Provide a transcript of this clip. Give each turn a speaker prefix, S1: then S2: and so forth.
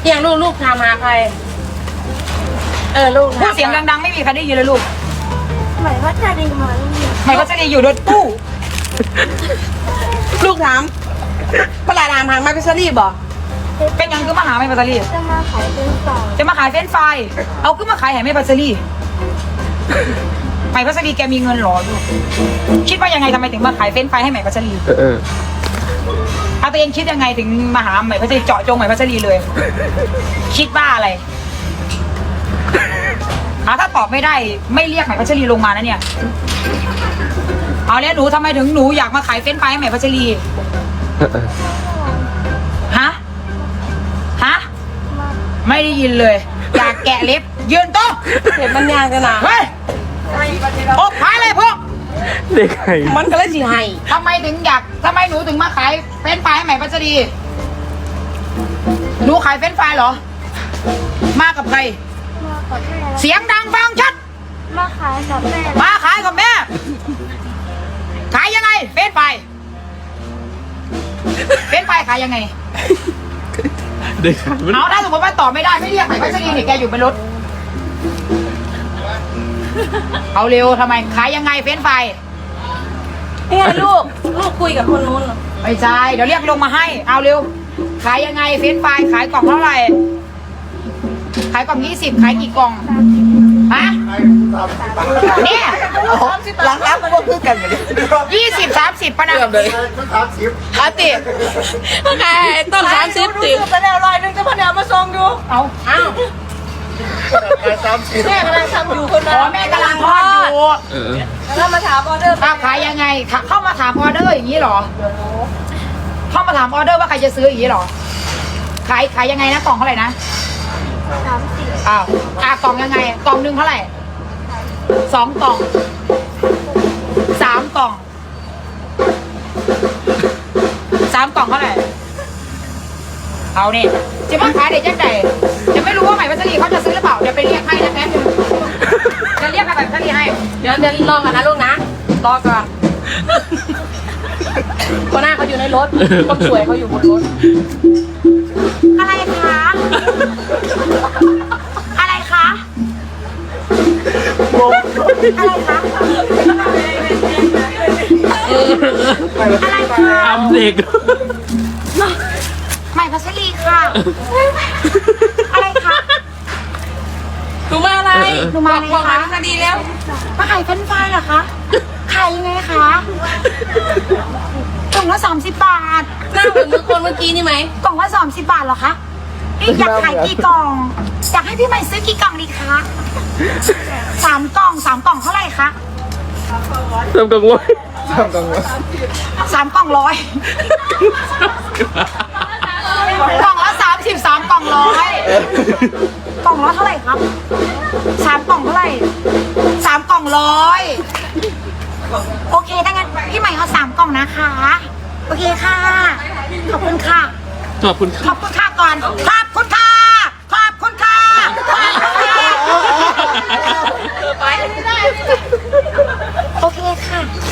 S1: อย่างลูกถามหาใครลูก
S2: พูดเสียงดังๆไม่มีใครได้ยินเลยลูก
S3: หมายว่าจะดีไหม
S2: หมายก็จะดีอยู่รถตู้
S1: ลูกถามปลาดามหางมาพิซซ่ารีบอก
S2: เป็นยังคือมาหาไม่ปัสสลี
S3: จะมาขายเป็นกล่อง
S2: จะมาขายเฟรนช์ฟรายเอาขึ้นมาขายแห่ไม่ปัสสลีไม่ปัสสลีแกมีเงินหรอลูกคิดว่ายังไงทำไมถึงมาขายเฟรนช์ฟรายให้ใหม่ปัสสลีเอาตัวเองคิดยังไงถึงมาหาใหม่ปัสสลีเจาะจงใหม่ปัสสลีเลย คิดว่าอะไรถ้าตอบไม่ได้ไม่เรียกใหม่พัชรีลงมานะเนี่ยเอาแล้วหนูทำไมถึงหนูอยากมาขายเฟรนช์ฟรายให้ใหม่พัชรีฮะไม่ได้ยินเลยอยากแกะเล็บยืนโต๊ะ
S1: เห็นมันยากจังนะ
S2: เฮ้ยโอ้ขายเลยพวก
S4: เด็กไข่
S1: มันก็เลยสิให้
S2: ทำไมหนูถึงมาขายเฟรนช์ฟรายให้ใหม่พัชรีหนูขายเฟรนช์ฟรายเหรอมากับใคร
S3: มากับแม่
S2: เสียงดังฟังชัด
S3: มาขายกับแม่
S2: มาขายกับแม่ ขายยังไงเฟรนช์ฟรายขายยังไง
S4: เด็กไข่มัน
S2: เอาถ้าสมมติว่าตอบไม่ได้ไม่เรียกใหม่พัชรีนี่แกอยู่บนรถเอาเร็วทำไมขายยังไงเฟรนช์ฟราย
S1: เนี่ยลูกคุยกับคนนู้น
S2: ไม่ใช่เดี๋ยวเรียกลงมาให้เอาเร็วขายยังไงเฟรนช์ฟรายขายกล่องเท่าไหร่ขายกล่อง20ขายกี่กล่องฮะเนี่ย
S1: หลังๆมันก็คือกันไปเลย
S2: 20-30ปะนะ
S1: อาติไงต้น30ติไปแล้ว100นึงจะพอเดี๋ยวมาส่งดู
S2: เอา
S1: อ้าวแม่กำลังทำอยู่คน
S2: อ๋
S1: นั้
S2: อน แม่กำลังทอดอยู่
S1: แล้วมาถามออเดอร์
S2: ขายยังไงเข้ามาถามออเดอร์อย่างนี้เหรอเข้ามาถามออเดอร์ว่าใครจะซื้ออย่างนี้เหรอขายยังไงนะกล่องเท่าไหร่นะ
S3: 30
S2: อ้าวกล่องยังไงกล่องหนึ่งเท่าไหร่2 กล่อง3 กล่อง3 กล่องเท่าไหร่เอาเนี่ยจะมาขายเด็กยังไงจะไม่รู้ว่าใหม่พัชรีเขาจะซื้อหรือเปล่าเดี๋ยวไปเรียกให้นะแป๊บนึงจะเรียกใหม่พัชรีให้
S1: เดี๋ยวรอกันนะลูกนะรอก่อนคนหน้าเขาอยู่ในรถคนสวยเขาอยู่บนรถ
S2: อะไรคะอะไรคะอะไรคะอะไรคะ
S4: ทำเด็ก
S2: ใหม่พัชรีค่ะ อะไรคะ
S1: หนูมาอะไร
S2: หนูมาอะไร
S1: บอก
S2: คะ
S1: มาพิซซ่าดีแล้ว
S2: มาขายเฟรนช์ฟรายเหรอคะขายยังไงคะกล่องละ30 บาท
S1: หน้าเหมือนคนเมื่อกี้นี่ไหม
S2: กล่องละ30 บาทเหรอคะนี่อยากขายกี่กล่องอยากให้พี่ใหม่ซื้อกี่กล่องดีคะ3 กล่อง3 กล่องเท่าไหร่คะ
S4: ทำกังวล
S2: 3 กล่อง100กล่องละ33 กล่อง100กล่องละเท่าไหร่ครับ3 กล่องเท่าไหร่3 กล่อง100โอเคถ้างั้นพี่ใหม่เอา3 กล่องนะคะโอเคค่ะขอบคุณค่ะ
S4: ขอบคุณค
S2: ข
S4: รั
S2: อ
S4: บบ
S2: คุณค่ะก่อนขอบคุณค่ะขอบคุณค่ะขอบคุณค่ะ
S1: ไปไม่ได้
S2: โอเคค่ะ